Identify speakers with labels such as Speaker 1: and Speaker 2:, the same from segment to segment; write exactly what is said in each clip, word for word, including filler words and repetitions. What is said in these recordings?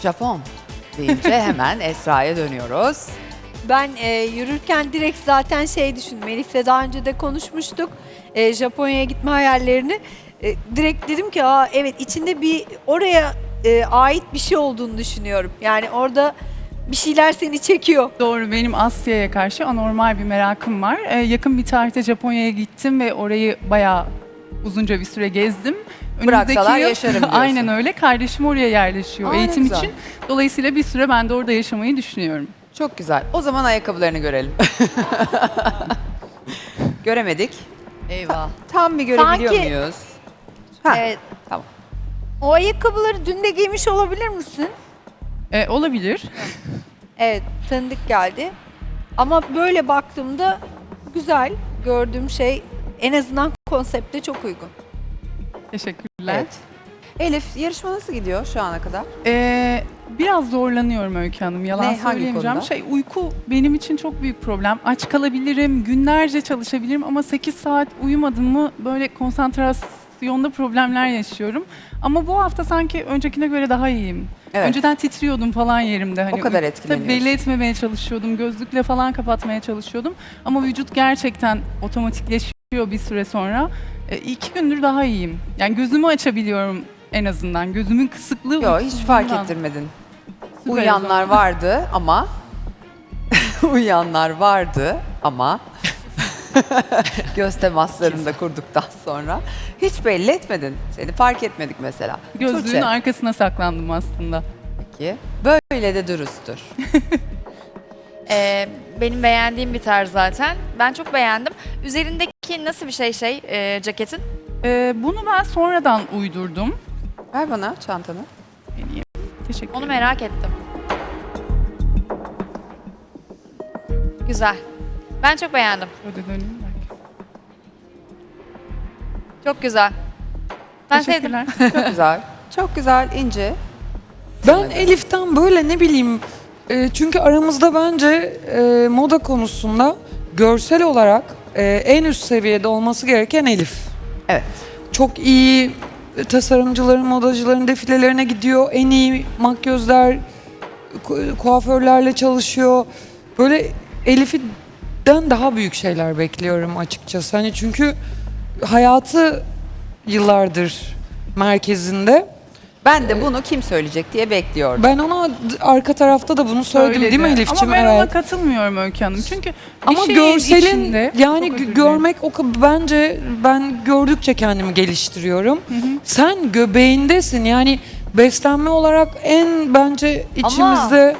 Speaker 1: Japon deyince hemen Esra'ya dönüyoruz.
Speaker 2: Ben e, yürürken direkt zaten şey düşündüm. Elif'le daha önce de konuşmuştuk. E, Japonya'ya gitme hayallerini. E, direkt dedim ki aa evet içinde bir oraya e, ait bir şey olduğunu düşünüyorum. Yani orada bir şeyler seni çekiyor.
Speaker 3: Doğru, benim Asya'ya karşı anormal bir merakım var. Ee, yakın bir tarihte Japonya'ya gittim ve orayı bayağı uzunca bir süre gezdim.
Speaker 1: Bıraksalar
Speaker 3: yıl-
Speaker 1: yaşarım diyorsun.
Speaker 3: Aynen öyle. Kardeşim oraya yerleşiyor
Speaker 1: Aa, ne
Speaker 3: eğitim
Speaker 1: güzel.
Speaker 3: için. Dolayısıyla bir süre ben de orada yaşamayı düşünüyorum.
Speaker 1: Çok güzel. O zaman ayakkabılarını görelim. Göremedik.
Speaker 4: Eyvah.
Speaker 1: Tam bir görebiliyor
Speaker 2: Sanki-
Speaker 1: muyuz? Ha,
Speaker 2: Evet.
Speaker 1: tamam.
Speaker 2: O ayakkabıları dün de giymiş olabilir misin?
Speaker 3: Ee, olabilir.
Speaker 2: Evet, tanıdık geldi. Ama böyle baktığımda güzel gördüğüm şey en azından konsepte çok uygun.
Speaker 3: Teşekkürler.
Speaker 1: Evet. Elif, yarışma nasıl gidiyor şu ana kadar?
Speaker 3: Ee, biraz zorlanıyorum Öykü Hanım. Yalan
Speaker 1: Ne, hangi
Speaker 3: söyleyemeyeceğim.
Speaker 1: konuda?
Speaker 3: Şey, uyku benim için çok büyük problem. Aç kalabilirim, günlerce çalışabilirim ama sekiz saat uyumadım mı böyle konsantrasyonda problemler yaşıyorum. Ama bu hafta sanki öncekine göre daha iyiyim.
Speaker 1: Evet.
Speaker 3: Önceden titriyordum falan yerimde. Hani
Speaker 1: O kadar
Speaker 3: uy-
Speaker 1: etkileniyorsun.
Speaker 3: Tabii belli etmemeye çalışıyordum. Gözlükle falan kapatmaya çalışıyordum. Ama vücut gerçekten otomatikleşiyor bir süre sonra. E, iki gündür daha iyiyim. Yani gözümü açabiliyorum en azından. Gözümün kısıklığı
Speaker 1: Yok, hiç fark
Speaker 3: uykusuzluğundan.
Speaker 1: ettirmedin.
Speaker 3: Süper o
Speaker 1: Uyuyanlar
Speaker 3: zaman.
Speaker 1: vardı ama uyuyanlar vardı ama göz temaslarını da kurduktan sonra hiç belli etmedin. Seni fark etmedik mesela.
Speaker 3: Gözlüğün
Speaker 1: Tuğçe,
Speaker 3: arkasına saklandım aslında.
Speaker 1: peki. Böyle de dürüsttür.
Speaker 4: Ee, benim beğendiğim bir tarz zaten. Ben çok beğendim. Üzerindeki nasıl bir şey şey e, ceketin?
Speaker 3: E, bunu ben sonradan uydurdum.
Speaker 1: Ver bana çantanı.
Speaker 3: Vereyim. Teşekkür
Speaker 4: Onu
Speaker 3: ederim.
Speaker 4: merak ettim. Güzel. Ben çok beğendim.
Speaker 3: Şöyle döneyim belki.
Speaker 4: Çok güzel. Ben sevdim.
Speaker 3: Teşekkürler.
Speaker 1: Çok güzel. Çok güzel, ince.
Speaker 5: Ben Elif'ten böyle ne bileyim e, çünkü aramızda bence e, moda konusunda görsel olarak e, en üst seviyede olması gereken Elif.
Speaker 1: Evet.
Speaker 5: Çok iyi tasarımcıların, modacıların defilelerine gidiyor. En iyi makyözler, ku- kuaförlerle çalışıyor. Böyle Elif'den daha büyük şeyler bekliyorum açıkçası. Hani çünkü hayatı yıllardır merkezinde.
Speaker 1: Ben de bunu kim söyleyecek diye bekliyordum.
Speaker 5: Ben ona d- arka tarafta da bunu söyledim
Speaker 3: Söyledi.
Speaker 5: değil mi Elif'ciğim?
Speaker 3: Ama ben ona
Speaker 5: Evet.
Speaker 3: katılmıyorum Öykü Hanım. Çünkü bir
Speaker 5: Ama
Speaker 3: şeyin
Speaker 5: görselin
Speaker 3: içinde-
Speaker 5: yani
Speaker 3: Çok
Speaker 5: gö-
Speaker 3: özür dilerim.
Speaker 5: görmek o ka- bence ben gördükçe kendimi geliştiriyorum. Sen göbeğindesin yani beslenme olarak en bence içimizde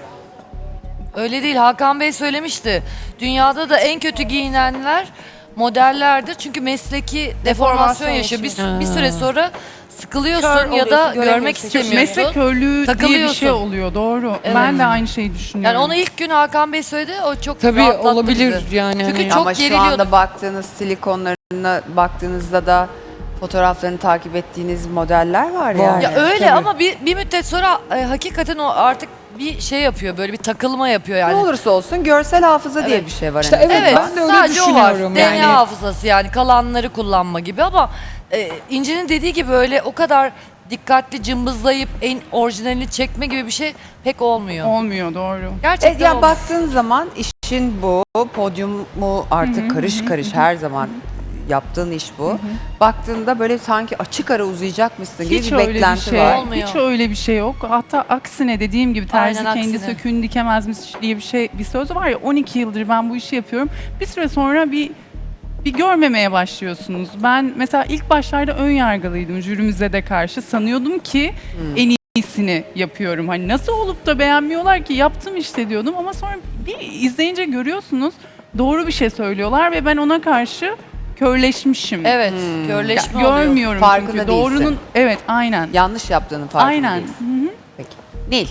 Speaker 6: Öyle değil. Hakan Bey söylemişti. Dünyada da en kötü giyinenler modellerdir. Çünkü mesleki deformasyon yaşıyor. Bir,
Speaker 5: yaşıyor.
Speaker 6: bir süre sonra sıkılıyorsun
Speaker 4: Kör
Speaker 6: ya da
Speaker 4: oluyorsun,
Speaker 6: görmek
Speaker 4: göremiyorsun.
Speaker 6: istemiyorsun.
Speaker 3: Meslek körlüğü diye bir
Speaker 6: Takılıyorsun.
Speaker 3: şey oluyor. Doğru.
Speaker 6: Evet.
Speaker 3: Ben de aynı şeyi düşünüyorum.
Speaker 6: Yani onu ilk gün Hakan Bey söyledi. O çok
Speaker 5: tabii
Speaker 6: rahatlattı
Speaker 5: olabilir
Speaker 6: bizi.
Speaker 5: yani.
Speaker 6: Çünkü
Speaker 5: hani.
Speaker 6: çok
Speaker 1: Ama şu
Speaker 6: geriliyordum.
Speaker 1: anda baktığınız silikonlarına baktığınızda da fotoğraflarını takip ettiğiniz modeller var,
Speaker 5: Var.
Speaker 1: yani.
Speaker 6: Ya öyle
Speaker 5: Tabii.
Speaker 6: ama bir, bir müddet sonra e, hakikaten o artık bir şey yapıyor. Böyle bir takılma yapıyor yani.
Speaker 1: Ne olursa olsun görsel hafıza diye
Speaker 6: Evet.
Speaker 1: bir şey var.
Speaker 5: İşte
Speaker 1: en
Speaker 5: evet,
Speaker 1: azından.
Speaker 5: ben de öyle
Speaker 6: sadece o var.
Speaker 5: düşünüyorum
Speaker 6: D N A
Speaker 5: yani.
Speaker 6: hafızası yani kalanları kullanma gibi ama e, İnci'nin dediği gibi öyle o kadar dikkatli cımbızlayıp en orijinalini çekme gibi bir şey pek olmuyor.
Speaker 3: Olmuyor, doğru.
Speaker 6: Gerçekten
Speaker 1: Evet, yani
Speaker 6: olmuyor.
Speaker 1: baktığın zaman işin bu, podyumu artık karış karış her zaman yaptığın iş bu. Baktığında böyle sanki açık ara uzayacakmışsın gibi
Speaker 3: Hiç
Speaker 1: bir
Speaker 3: öyle bir
Speaker 1: beklenti
Speaker 3: şey,
Speaker 1: var.
Speaker 6: Olmuyor.
Speaker 3: hiç öyle bir şey yok. Hatta aksine dediğim gibi terzi
Speaker 6: Aynen
Speaker 3: kendi
Speaker 6: aksine.
Speaker 3: söküğünü dikemezmiş diye bir şey, bir söz var ya, on iki yıldır ben bu işi yapıyorum. Bir süre sonra bir bir görmemeye başlıyorsunuz. Ben mesela ilk başlarda ön yargılıydım jürimize de karşı. Sanıyordum ki en iyisini yapıyorum. Hani nasıl olup da beğenmiyorlar ki, yaptım işte diyordum ama sonra bir izleyince görüyorsunuz doğru bir şey söylüyorlar ve ben ona karşı körleşmişim.
Speaker 6: Evet,
Speaker 1: Hmm.
Speaker 6: körleşme
Speaker 3: Ya,
Speaker 6: oluyor.
Speaker 3: görmüyorum
Speaker 1: Farkında
Speaker 3: çünkü
Speaker 1: değilsin.
Speaker 3: doğrunun, evet aynen.
Speaker 1: Yanlış yaptığının farkında
Speaker 3: Aynen.
Speaker 1: değilsin.
Speaker 3: Hı hı.
Speaker 1: Peki. Nil.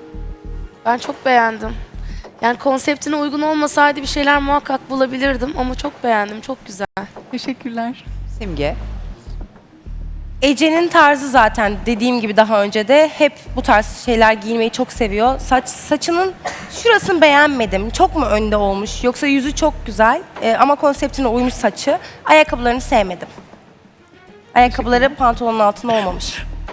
Speaker 7: Ben çok beğendim. Yani konseptine uygun olmasaydı bir şeyler muhakkak bulabilirdim ama çok beğendim, çok güzel.
Speaker 3: Teşekkürler.
Speaker 1: Simge.
Speaker 8: Ece'nin tarzı zaten dediğim gibi daha önce de hep bu tarz şeyler giymeyi çok seviyor. Saç saçının şurasını beğenmedim. Çok mu önde olmuş? Yoksa yüzü çok güzel e, ama konseptine uymuş saçı. Ayakkabılarını sevmedim. Ayakkabıları pantolonun altında olmamış.